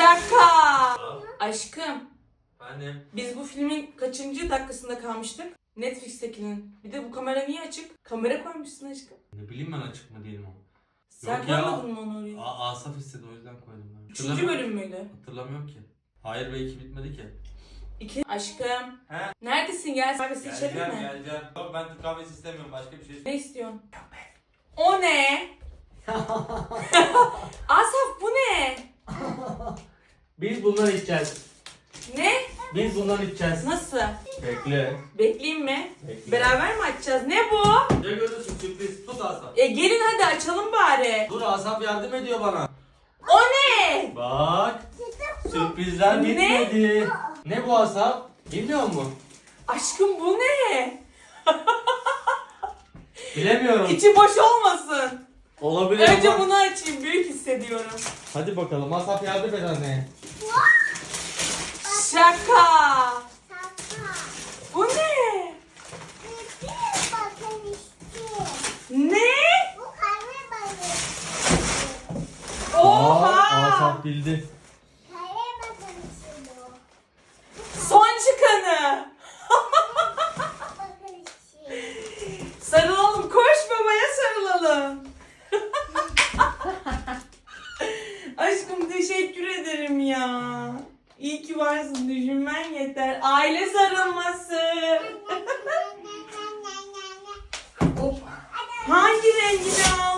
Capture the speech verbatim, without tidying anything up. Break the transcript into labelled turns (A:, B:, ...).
A: Şaka. Aşkım.
B: Annem.
A: Biz bu filmin kaçıncı dakikasında kalmıştık? Netflix'tekinin. Bir de bu kamera niye açık? Kamera koymuşsun aşkım.
B: Ne bileyim ben açık mı değil mi o?
A: Sen
B: Yok ya.
A: koymadın mı onu oraya?
B: A Asaf istedi o yüzden koydum ben.
A: Üçüncü
B: Hatırlamıyorum-
A: bölüm müydü?
B: Hatırlamıyorum ki. Hayır be iki bitmedi ki.
A: İki. Aşkım.
B: He?
A: Neredesin? Gel kahvesi içelim
B: Geleceğim
A: mi?
B: geleceğim. Yok ben Türk kahvesi istemiyorum başka bir şey.
A: Ne istiyorsun? O ne? Asaf bu ne?
B: Biz bundan içeceğiz.
A: Ne?
B: Biz bundan içeceğiz.
A: Nasıl?
B: Bekle.
A: Bekleyeyim mi?
B: Bekle.
A: Beraber mi açacağız? Ne bu?
B: Ne görüyorsun sürpriz? Tut Asaf.
A: E gelin hadi açalım bari.
B: Dur Asaf yardım ediyor bana.
A: O ne?
B: Bak. Sürprizler
A: Ne?
B: bitmedi. Ne bu Asaf? Bilmiyor musun?
A: Aşkım bu ne?
B: Bilemiyorum.
A: İçi boş olmasın.
B: Olabilir
A: Önce
B: ama.
A: bunu açayım. Büyük hissediyorum.
B: Hadi bakalım Asaf yardım et anneye.
A: Şaka. Bu ne? Ne? Oha!
B: Asaf bildi.
A: Son çıkanı. Sarılalım. Koş babaya sarılalım. Aşkım teşekkür ederim ya. İyi ki varsın. Düşünmen yeter. Aile sarılması. Hangi rengini aldın?